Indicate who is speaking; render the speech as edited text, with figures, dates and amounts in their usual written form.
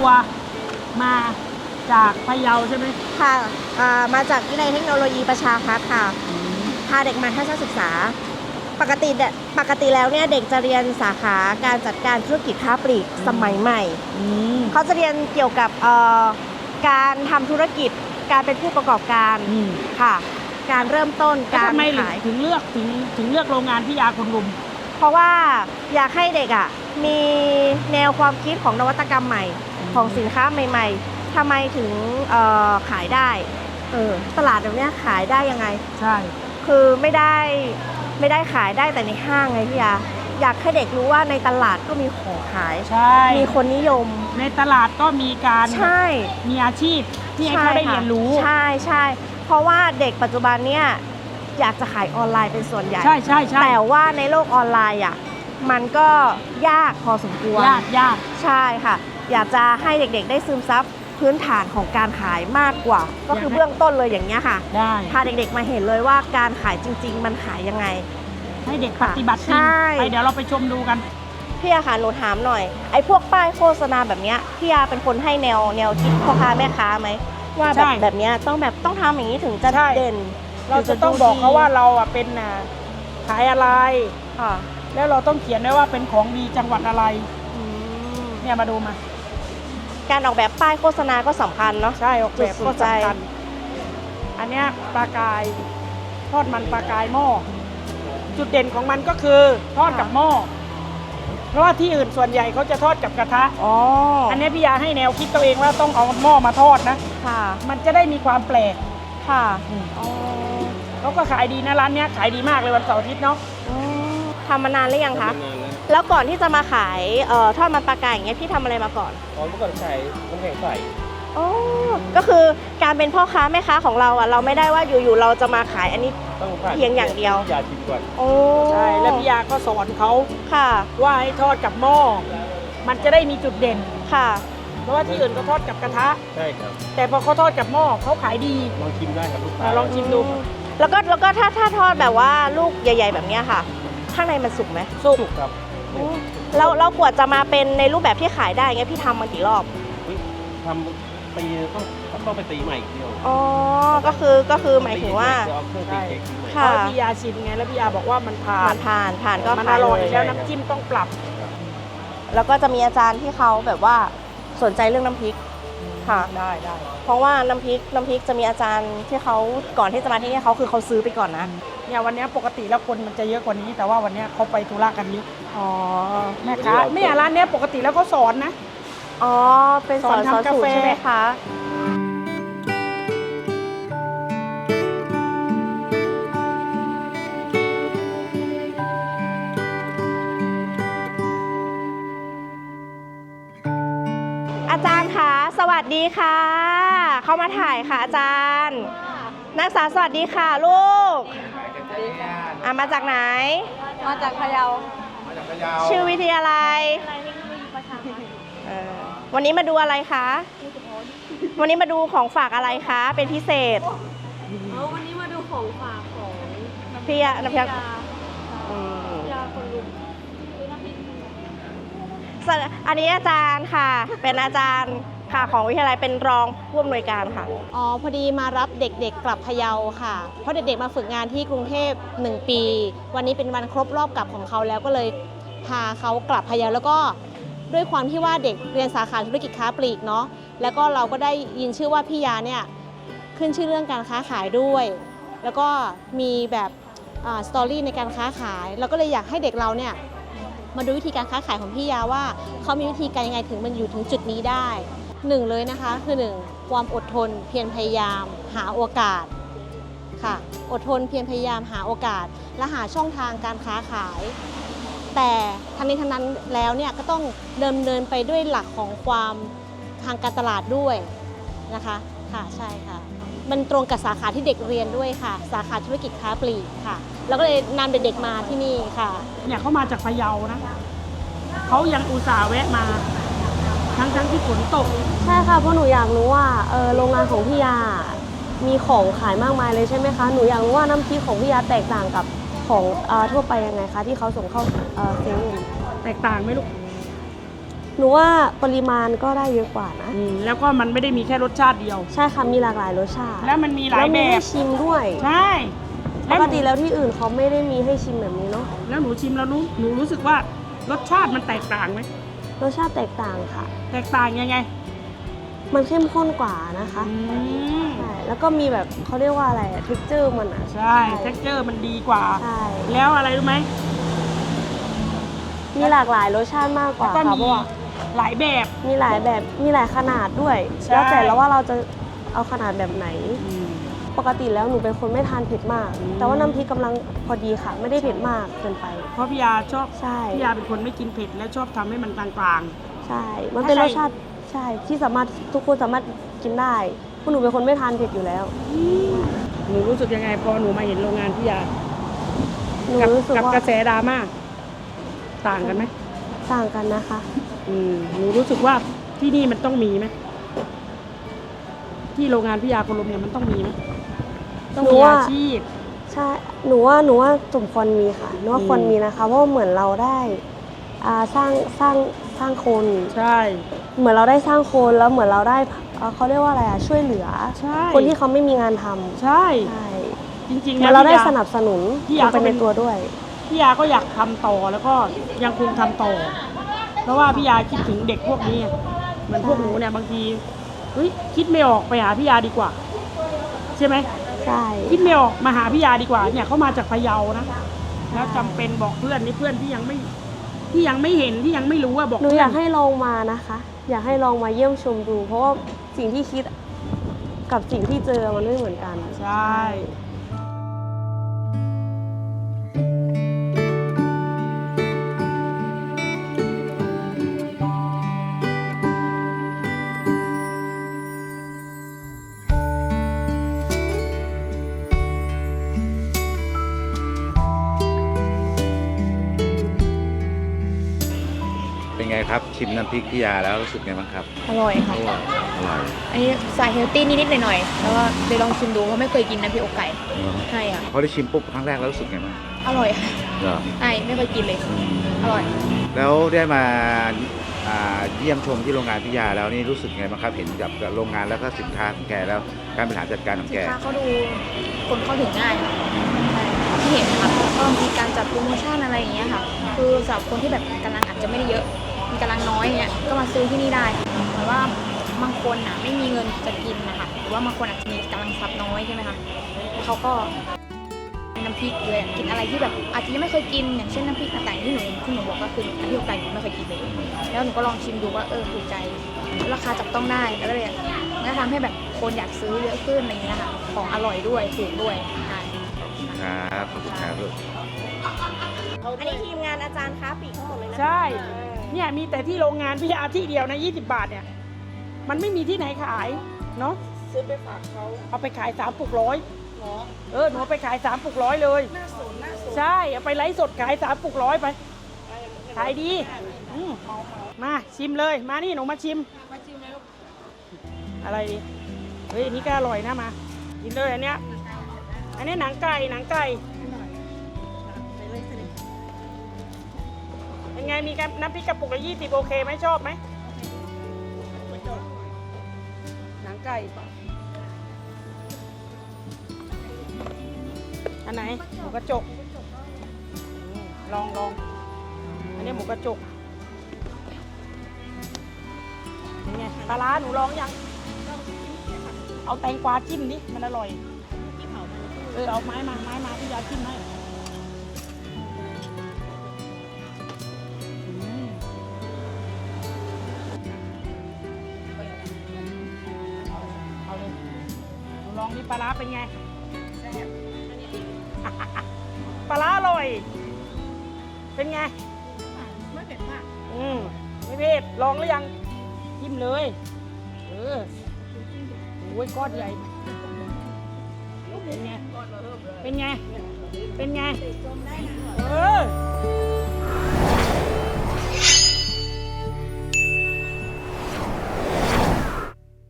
Speaker 1: ตัวมาจากพะเยาใช่ไหม
Speaker 2: ค่ะมาจากวิทยาลัยเทคโนโลยีประชาพัฒน์ค่ะพาเด็กมาทัศนศึกษาปกติแล้วเนี่ยเด็กจะเรียนสาขาการจัดการธุรกิจค้าปลีกสมัยใหม่เขาจะเรียนเกี่ยวกับการทำธุรกิจการเป็นผู้ประกอบการค่ะการเริ่มต้นการขาย
Speaker 1: ถึงเลือกโรงงานพิยาคนรุม
Speaker 2: เพราะว่าอยากให้เด็กมีแนวความคิดของนวัตกรรมใหม่ของสินค้าใหม่ๆทำไมถึงขายได้ตลาดแบบนี้ขายได้ยังไง
Speaker 1: ใช่
Speaker 2: คือไม่ได้ขายได้แต่ในห้างไงพี่อยากให้เด็กรู้ว่าในตลาดก็มีของขาย
Speaker 1: ใช่
Speaker 2: มีคนนิยม
Speaker 1: ในตลาดก็มีการ
Speaker 2: ใช่
Speaker 1: มีอาชีพที่ให้เขาได้เรียนรู้
Speaker 2: ใช่เพราะว่าเด็กปัจจุบันเนี่ยอยากจะขายออนไลน์เป็นส่วนใหญ่
Speaker 1: ใช่
Speaker 2: แต่ว่าในโลกออนไลน์มันก็ยากพอสมควร
Speaker 1: ยาก
Speaker 2: ใช่ค่ะอยากจะให้เด็กๆได้ซึมซับพื้นฐานของการขายมากกว่าก็คือเบื้องต้นเลยอย่างเงี้ยค่ะ
Speaker 1: ได้
Speaker 2: พาเด็กๆมาเห็นเลยว่าการขายจริงๆมันขายยังไง
Speaker 1: ให้เด็กปฏิบัติจริงไปเดี๋ยวเราไปชมดูกัน
Speaker 2: พี่อาค่ะหนูถามหน่อยไอ้พวกป้ายโฆษณาแบบเนี้ยพี่อาเป็นคนให้แนวคิดพ่อค้าแม่ค้าไหมว่าแบบเนี้ยต้องทำอย่างนี้ถึงจะเด่น
Speaker 1: เราจะต้องบอกเขาว่าเราเป็นขายอะไรแล้วเราต้องเขียนด้วยว่าเป็นของดีจังหวัดอะไรเนี่ยมาดูมา
Speaker 2: การออกแบบป้ายโฆษณาก็สำคัญเนาะ
Speaker 1: ใช่ออกแบบก็สำคัญอันเนี้ยปลากายทอดมันปลากายหม้อจุดเด่นของมันก็คือทอดกับหม้อเพราะว่าที่อื่นส่วนใหญ่เขาจะทอดกับกระทะอันนี้พี่ยาให้แนวคิดตัวเองว่าต้องเอาหม้อมาทอดนะมันจะได้มีความแปลก
Speaker 2: ค่ะ
Speaker 1: เขาก็ขายดีนะร้านนี้ขายดีมากเลยวันเสาร์อาทิตย์เนาะ
Speaker 2: ทำมานานหรือยังคะแล้วก่อนที่จะมาขายทอดมันปลากายอย่างเงี้ยพี่ทำอะไรมาก่อน
Speaker 3: เมื่อก่อนขายน้ำแข็งใส
Speaker 2: ก็คือการเป็นพ่อค้าแม่ค้าของเราเราไม่ได้ว่าอยู่ๆเราจะมาขายอันนี้เพียงอย่างเดียว
Speaker 3: พี่ยาชิมก่อน
Speaker 1: ใช่แล้วพี่ยาก็สอนเขาว่าให้ทอดกับหม้อมันจะได้มีจุดเด่น
Speaker 2: ค่ะ
Speaker 1: เพราะว่าที่อื่นเขาทอดกับกระทะ
Speaker 3: ใช่ครับ
Speaker 1: แต่พอเขาทอดกับหม้อเขาขายดี
Speaker 3: ลองชิมได้ครับลูกค้า
Speaker 1: ลองชิมดู
Speaker 2: แล้วก็ถ้าทอดแบบว่าลูกใหญ่ๆแบบนี้ค่ะข้างในมันสุกไหม
Speaker 1: สุก
Speaker 3: ครับ
Speaker 2: เรากว่าจะมาเป็นในรูปแบบที่ขายได้เงี้ยพี่ทำมากี่รอบ
Speaker 3: ทำตีต้องไปตีใหม่อีกเดียว
Speaker 2: ก็คือหมายถึงว่า
Speaker 1: ค่ะพี่ยาชิมไงแล้วพี่ยาบอกว่ามันผ่านก็
Speaker 2: มัน
Speaker 1: อร่อยแล้วน้ำจิ้มต้องปรับ
Speaker 2: แล้วก็จะมีอาจารย์ที่เขาแบบว่าสนใจเรื่องน้ำพริกค่ะ
Speaker 1: ได้
Speaker 2: เพราะว่าน้ำพริกจะมีอาจารย์ที่เขาก่อนที่จะมาที่นี่เขาซื้อไปก่อนนะ
Speaker 1: เนี่ยวันนี้ปกติแล้วคนมันจะเยอะกว่านี้แต่ว่าวันนี้เขาไปธุระกันเยอะแม่ค้าเนี่ยร้านนี้ปกติแล้วเขาสอนนะ
Speaker 2: เป็นสอนทำกาแฟใช่ไหมคะอาจารย์คะสวัสดีค่ะเข้ามาถ่ายค่ะอาจารย์นักศึกษาสวัสดีค่ะลูกมาจากไหน
Speaker 4: มาจากพะเยา
Speaker 2: ชื่อวิทยาลัยวันนี้มาดูอะไรคะวันนี้มาดูของฝากอะไรคะเป็นพิเศษ
Speaker 4: วันนี้มาดูของฝากของ
Speaker 2: พี่น้ำพริกอันนี้อาจารย์ค่ะเป็นอาจารย์ค่ะของวิทยาลัยเป็นรองผู้อำนวยการค่ะ
Speaker 4: พอดีมารับเด็กๆกลับพะเยาค่ะเพราะเด็กๆมาฝึกงานที่กรุงเทพ1 ปีวันนี้เป็นวันครบรอบกลับของเขาแล้วก็เลยพาเขากลับพะเยาแล้วก็ด้วยความที่ว่าเด็กเรียนสาขาธุรกิจค้าปลีกเนาะแล้วก็เราก็ได้ยินชื่อว่าพี่ยาเนี่ยขึ้นชื่อเรื่องการค้าขายด้วยแล้วก็มีแบบสตอรี่ในการค้าขายเราก็เลยอยากให้เด็กเราเนี่ยมาดูวิธีการค้าขายของพี่ยาว่าเขามีวิธีการยังไงถึงมันอยู่ถึงจุดนี้ได้1เลยนะคะคือ1ความอดทนเพียรพยายามหาโอกาสค่ะอดทนเพียรพยายามหาโอกาสและหาช่องทางการค้าขายแต่ทั้งนี้ทั้งนั้นแล้วเนี่ยก็ต้องดำเนินไปด้วยหลักของความทางการตลาดด้วยนะคะค่ะใช่ค่ะมันตรงกับสาขาที่เด็กเรียนด้วยค่ะสาขาธุรกิจค้าปลีกค่ะแล้วก็เลยนำเด็กๆมาที่นี่ค่ะ
Speaker 1: เนี่ยเขามาจากพะเยานะเขายังอุตส่าห์แวะมาทั้งที่ฝนตก
Speaker 4: ใช่ค่ะเพราะหนูอยากรู้ว่าโรงงานของพี่ยามีของขายมากมายเลยใช่ไหมคะหนูอยากรู้ว่าน้ำพริกของพี่ยาแตกต่างกับของทั่วไปยังไงคะที่เขาส่งเข้าเซเว่น
Speaker 1: แตกต่างไหมลูก
Speaker 2: หนูว่าปริมาณก็ได้เยอะกว่านะ
Speaker 1: แล้วก็มันไม่ได้มีแค่รสชาติเดียว
Speaker 2: ใช่ค่ะ มีหลากหลายรสชาติ
Speaker 1: แล้วมันมีหลาย
Speaker 2: แล้ว
Speaker 1: แบ
Speaker 2: มีให้
Speaker 1: บ
Speaker 2: ชิมด้วย
Speaker 1: ใช่
Speaker 2: ปกติแล้วที่อื่นเขาไม่ได้มีให้ชิมแบบนี้เนาะ
Speaker 1: แล้วหนูชิมแล้วหนูรู้สึกว่ารสชาติมันแตกต่างไหม
Speaker 2: รสชาติแตกต่างค่ะ
Speaker 1: แตกต่างยังไง
Speaker 2: มันเข้มข้นกว่านะคะ ใช่ แล้วก็มีแบบเขาเรียกว่าอะไรเท็กเจอร์มันอ่ะ
Speaker 1: ใช่เท็กเจอร์มันดีกว่า
Speaker 2: ใช่
Speaker 1: แล้วอะไรรู้ไหม
Speaker 2: มีหลากหลายรสชาติมากกว่า
Speaker 1: ก็
Speaker 2: ค่ะ
Speaker 1: มี
Speaker 2: เพราะว่า
Speaker 1: หลายแบบ
Speaker 2: มีหลายแบบ มีหลายขนาดด้วย
Speaker 1: ใช่
Speaker 2: แล้วแต่แล้วว่าเราจะเอาขนาดแบบไหน ปกติแล้วหนูเป็นคนไม่ทานเผ็ดมาก แต่ว่าน้ำพริกกำลังพอดีค่ะ ไม่ได้เผ็ดมากเกินไป
Speaker 1: เพราะพี่ยาชอบ
Speaker 2: ใช่
Speaker 1: พี่ยาเป็นคนไม่กินเผ็ดและชอบทำให้มันกลาง
Speaker 2: ใช่ มันเป็นรสชาติใช่ที่สามารถทุกคนสามารถกินได้เพราะหนูเป็นคนไม่ทานเผ็ดอยู่แล้ว
Speaker 1: ๆหนูรู้สึกยังไงพอหนูมาเห็นโรงงานพี่ยา
Speaker 2: หนู
Speaker 1: กับ
Speaker 2: รู้สึก
Speaker 1: กับ
Speaker 2: ว่าก
Speaker 1: ระแสดราม่าต่างกันไหม
Speaker 2: ต่างกันนะคะ
Speaker 1: หนูรู้สึกว่าที่นี่มันต้องมีไหมที่โรงงานพี่ยาคนลมเนี่ยมันต้องมีไหมต้อง
Speaker 2: หนู
Speaker 1: มี
Speaker 2: ว่า
Speaker 1: อาชีพ
Speaker 2: ใช่ หนูว่าสมควรมีค่ะ หนูว่าควรมีนะคะ เพราะว่าเหมือนเราได้สร้างคน
Speaker 1: ใช่
Speaker 2: เหมือนเราได้สร้างคนแล้วเหมือนเราได้เขาเรียกว่าอะไรช่วยเหลือ
Speaker 1: ใช่
Speaker 2: คนที่เขาไม่มีงานทำ
Speaker 1: ใช่
Speaker 2: ใช่
Speaker 1: จริงๆ
Speaker 2: เหมื
Speaker 1: แล้
Speaker 2: อ
Speaker 1: วน
Speaker 2: เราได้
Speaker 1: พี่ยา
Speaker 2: สนับสนุน
Speaker 1: พี่ยา
Speaker 2: ลงไป
Speaker 1: ก็เป็
Speaker 2: ใน
Speaker 1: น
Speaker 2: ตัวด้วย
Speaker 1: พี่ยาก็อยากทำต่อแล้วก็ยังคงทำต่อ เพราะว่าพี่ยาคิดถึงเด็กพวกนี้เหมือนพวกหนูเนี่ยบางทีเฮ้ยคิดไม่ออกไปหาพี่ยาดีกว่า ใช่ไหม
Speaker 2: ใช่
Speaker 1: คิดไม่ออกมาหาพี่ยาดีกว่าเนี่ยเขามาจากพะเยานะแล้วจำเป็นบอกเพื่อนนี่เพื่อนที่ยังไม่เห็นที่ยังไม่รู้ว่าบอก
Speaker 2: หนู
Speaker 1: เพื่
Speaker 2: อยากให้ลองมานะคะ อยากให้ลองมาเยี่ยมชมดู เพราะว่าสิ่งที่คิดกับสิ่งที่เจอมันไม่เหมือนกัน
Speaker 1: ใช่
Speaker 5: เป็นไงครับชิมน้ำพริกพี่ยาแล้วรู้สึกไงบ้างครับ
Speaker 6: อร่อยค่ะ
Speaker 5: อร่อย
Speaker 6: อันนี้สายเฮลตี้นิดๆหน่อยๆแล้วก็ไปลองชิมดูเพราะไม่เคยกินน้ำพริกอกไก่ใช่ค่ะ
Speaker 5: พอได้ชิมปุ๊บครั้งแรกแล้วรู้สึกไงบ้าง
Speaker 6: อร่อยค่ะ
Speaker 5: เหรอ
Speaker 6: ใช่ไม่เคยกินเลย อร่อย
Speaker 5: แล้วได้มาเยี่ยมชมที่โรงงานพี่ยาแล้วนี่รู้สึกไงบ้างครับเห็นกับโรงงานแล้วก็สินค้าของแกแล้วการบริหารจัดการของ
Speaker 6: สิ
Speaker 5: แก
Speaker 6: นค้าเขาดูคนเข้าถึงง่ายค่ะใช่ที่เห็นค่ะก็มีการจัดโปรโมชั่นอะไรอย่างเงี้ยค่ะ คือสำหรับคนที่แบบกำลังอาจจะไม่ได้เยอะ มีกำลังน้อยอย่างเงี้ยก็มาซื้อที่นี่ได้ค่ะหมายว่าบางคนไม่มีเงินจะกินนะคะหรือว่าบางคนอาจจะมีกำลังทรัพย์น้อยใช่ไหมคะเขาก็น้ำพริกเลยกินอะไรที่แบบอาจจะยังไม่เคยกินอย่างเช่นน้ำพริกต่างๆที่หนูบอกก็คือน้ำพริกอกไก่หนูไม่เคยกินเลยแล้วหนูก็ลองชิมดูว่าถูกใจราคาจับต้องได้แล้วก็เลยมันก็ทำให้แบบคนอยากซื้อเยอะขึ้นอะไรอย่างเงี้ยค่ะของอร่อยด้วยถูกด้วยใช่
Speaker 5: ครับขอบคุณครับลูก
Speaker 2: อันนี้ทีมงานอาจารย์ค้าปลีกทั้งหมดเลยนะ
Speaker 1: ใช่เนี่ยมีแต่ที่โรงงานพี่ยาที่เดียวนะ20 บาทเนี่ยมันไม่มีที่ไหนขายเนาะซื้อไปฝากเขาเอาไปขาย3 ปลุกร้อยหนูเอาไปขาย3 ปลุกร้อยเลยน่าสนใช่เอาไปไลฟ์สดขาย3 ปลุกร้อยไปขายดีมาชิมเลยมานี่หนูมาชิมเลยอะไรดีเฮ้ยอันนี้ก็อร่อยนะมากินเลยอันเนี้ยหนังไก่เป็นไงมีน้ำพริกกระปุกละ20โอเคไหมชอบไหมหนังไก่อันไหนหมูกระจกลองอันนี้หมูกระจกเป็นไงปลาร้าหนูลองยังเอาแตงกวาจิ้มดิมันอร่อยเอาไม้มาพี่ยาจิ้มให้เอาเลยหนูลองดิปลาร้าเป็นไงปลาร้าอร่อยเป็นไงไม่เผ็ดมากไม่เผ็ดลองหรือยังจิ้มเลยโอ้ยก้อนใหญ่เป็นไง